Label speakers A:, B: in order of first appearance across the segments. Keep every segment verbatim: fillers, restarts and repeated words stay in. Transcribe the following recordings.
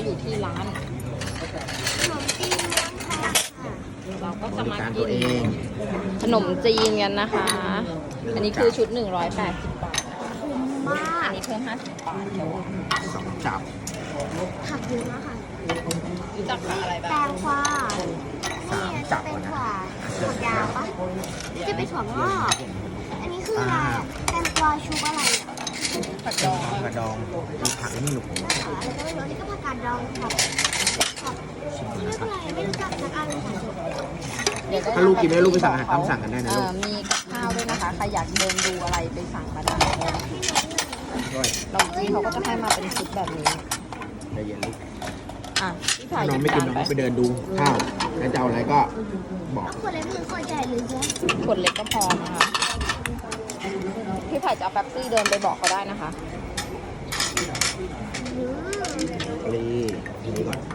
A: อยู่ที่ร้าน
B: ขนมจีนเมืองทองค่ะ
A: เราก็จะมา
C: บริการ
A: กิ
C: ตั
A: น
C: วเอง
A: ขนมจีนกันนะคะ อันนี้คือชุดหนึ่งร้อยแปดสิบบาทนะคะ
B: คุ้มมาก
A: อันนี้เพิ่มห้าสิบบาทเดี๋ยว
C: สองจับ
B: ผักเยอะมากค่ะ
A: รู้จักกับอะไร
B: แต
A: บ้าง
B: งกวานี่จะเป็นถั่วถั่วยาวปะนี่จะเป็นถั่วงอกอันนี้คืออะไรอะแตงกวาชุบอะไรอ่ะ
A: ผักดอง
C: กระดองมีผักนี่ลูกผม
B: อะไรก็ไม่รู้อันนี้ก็ผักกาดดองครับครับนี่ไม่เป็นไรไม่รู้จักสักอันเลยค่ะ
A: เดี๋ยวได้
C: ถ้าลูกกินไม่ได้ลูกไปสั่งอาหารตามสั่งกันได้นะ
A: เอ่
C: ลูก
A: อมีกับข้าวด้วยนะคะ ใครอยากเดินดูอะไรไปสั่งมาได้
C: ด้วย
A: เราจีนเขาก็จะให้มาเป็นชุดแบบนี้
C: ใจเย็นลูก
A: อ่ะพี่
C: ถ้า
A: ถ่าย
C: น้องไม่กินน้องก็ไปเดินดูข้าวแล้วจะเอาอะไรก็บอก
B: ขวดเล็กหรือขวดใหญ่หรือเยอะ
A: ขวดเล็กก็พอนะคะพี่ไผ่จะเอาแป๊บซี่เดินไปบอกเขาได้นะคะ
B: อืม
C: รีทีนี้ก่อน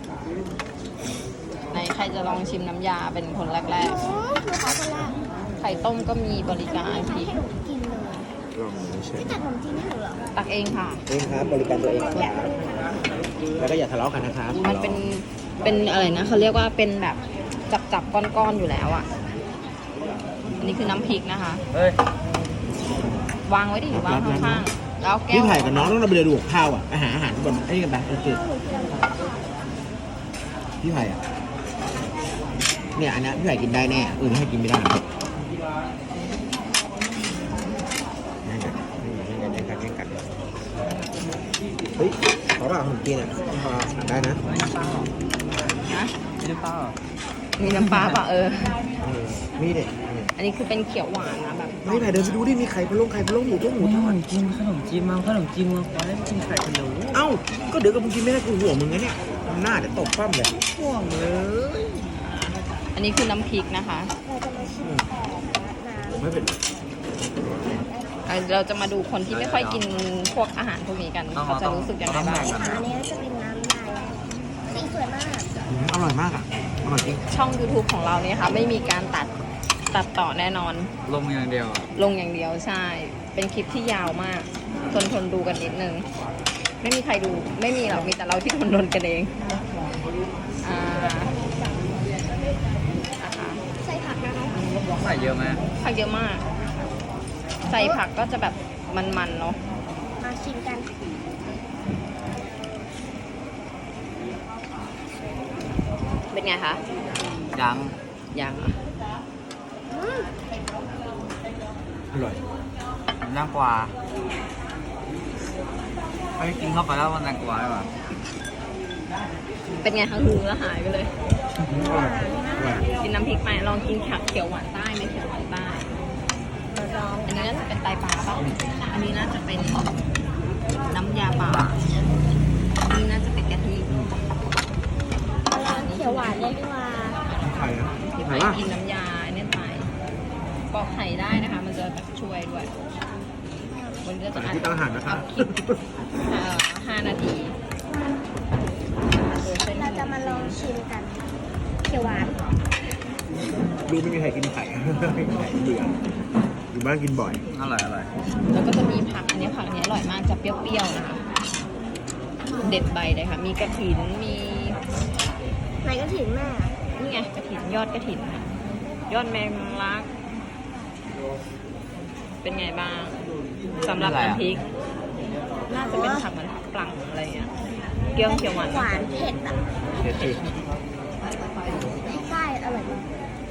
A: ไหนใครจะลองชิมน้ำยาเป็นคนแรก
B: หนูหนูขอคนแรก
A: ๆ ไข่ต้มก็มีบริการ
B: ใคร
A: พี่
B: ให้หนูกินเลย
C: ลองดูเฉย
B: พี่ตัดขนมจีนให้หนูเหรอ
A: ตักเองค่ะ
C: เองครับบริการตัวเองครับแล้วก็อย่าทะเลาะกันนะครับ
A: มันเป็นเป็นอะไรนะเขาเรียกว่าเป็นแบบจับจับๆก้อนๆอยู่แล้วอ่ะ อันนี้คือน้ำพริกนะคะ
C: เฮ้ยว
A: างไว้ดิวางข้างๆแล้วแก้ว
C: พี่ไผ่กับน้องต้องไปเดินดูข้าวอ่ะไปหาอาหารบนไอ้นี่กันไปโอเคพี่ไผ่อ่ะเนี่ยอันนี้พี่ไผ่กินได้แน่อื่นให้กินไม่ได้นั่นกันนั่นกันนั่นกันนั่นกันเฮ้ยขอเปล่าขนมจีนอ่ะพอสั่งได้นะ
A: นะ
C: ไม่ได้เปล่า
A: มีน้ำปลาป่ะเออ
C: มีเด็ก
A: อันนี้คือเป็นเขียวหวานนะแบบ
C: ไม่ไผ่เดินไปดูดิมีไข่พะโล้ไข่พะโล้หมูต้มหมูทอด
D: กินขนมจีนมาขนมจีนมาขอให้กินไข่พะโล้
C: เอ้าก็เดี๋ยวกับมึงกินไม่ได้กูห่วงมึงนะเนี่ยหน้าเดี๋ยวตกปั้มเลย
D: ห่วงเลย
A: อันนี้คือน้ำพริกนะคะ
B: เราจะมาชิมแต่น้ำ
C: ไม่เป็น
A: อ่ะเราจะมาดูคนที่ไม่ค่อยกินพวกอาหารพวกนี้กันเขาจะรู้สึกยังไงบ้าง
B: อันนี้จะเป็นน้ำลายสีสวยมาก
C: อร่อยมากอ่ะอร่อยจริง
A: ช่อง YouTube ของเราเนี่ยค่ะไม่มีการตัดตัดต่อแน่นอน
D: ลงอย่างเดียวอะ
A: ลงอย่างเดียวใช่ เป็นคลิปที่ยาวมาก ทนทนดูกันนิดนึง ไม่มีใครดู ไม่มีหรอก มีแต่เราที่ทนทนกันเอง อ่านะคะ
B: ใส่ผักนะคะ
D: ใส่เยอะไหม
A: ผักเยอะมาก ใส่ผักก็จะแบบมันๆเนาะ
B: มาชิมกัน
A: เป็นไงคะ
D: ยัง
A: ยังอ่ะ
B: อืม
C: อร่อย
D: น่ากว่าไปกินเข้าไปแล้วมันน่ากว่าใช่ปะ
A: เป็นไงคะคือแล้วหายไปเลย
C: อร่อยอร่อย
A: กินน้ำพริกไปลองกินผักเขียวหวานใต้ไหมเขียวหวานใต้อันนี้น่าจะเป็นไตปลาเปล่าอันนี้น่าจะเป็นน้ำยาปลาอันนี้น่าจะเป็นกะทิ
B: ร้านเขียวหวานเลยดีกว่า
C: ไข่นะ
A: ที่
C: ไข่
A: ไป
C: ป่ะ
A: กินน้ำยาอันนี้ไปปอกไข่ได้นะคะ มันจะแบบช่วยด้วยวันนี้ก็จะ
C: ที่ตั้งอาหารนะคะ
A: อัพคลิปเอ่อห้านาทีโดยเส้น
B: เราจะมาลองชิมกัน เขียวหวาน
C: ดูไม่มีใครกินไข่ ไม่มีใครเบื่ออยู่บ้านกินบ่อย
D: อร่อยอร่อย
A: แล้วก็จะมีผักอันนี้ผักอันนี้อร่อยมากจะเปรี้ยวๆนะคะ เด็ดใบเลยค่ะ มีกระถินมี
B: ไหนก็ถึงแม่
A: นี่ไงกระถินยอดกระถินค่ะยอดแมงลัก เป็นไงบ้างสำหรับน้ำพริก น่าจะเป็นผักเหมือนผักปลังอะไรอย่างเงี้ยเกี๊ยวเขียวหวาน
B: หวานเผ็ดอ่ะ
C: เผ็ดสิ
B: พริกใต้อร่อยมาก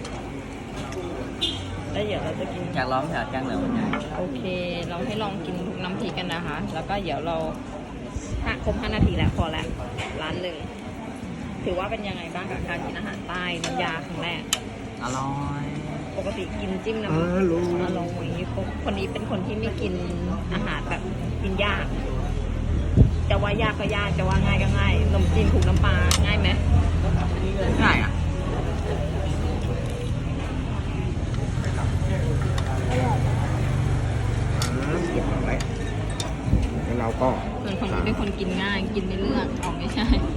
A: แล้วเดี๋ยวเราจะกิน
D: อยากร้องแถวแจ้งเหลืองมันไง
A: โอเค เราให้ลองกินทุกน้ำพริกกันนะคะ แล้วก็เดี๋ยวเราถ้าครบห้านาทีแล้วพอแล้วร้านหนึ่งถือว่าเป็นยังไงบ้างกับการกินอาหารใต้น้ำยาครั้งแรก
D: อร่อย
A: ปกติกินจิ้มน้ำ
C: เออรู้
A: อร่อยคนนี้เป็นคนที่ไม่กินอาหารแบบกินยาก จะว่ายากก็ยากจะว่าง่ายก็ง่ายขนมจีนผูกน้ำปลาง่ายไหม
D: ง่ายอ่ะ
C: เก็บเอาไว้แล้วเราก็
A: ส่วนคนนี้เป็นคนกินง่ายกินในเรื่องเอาไม่ใช่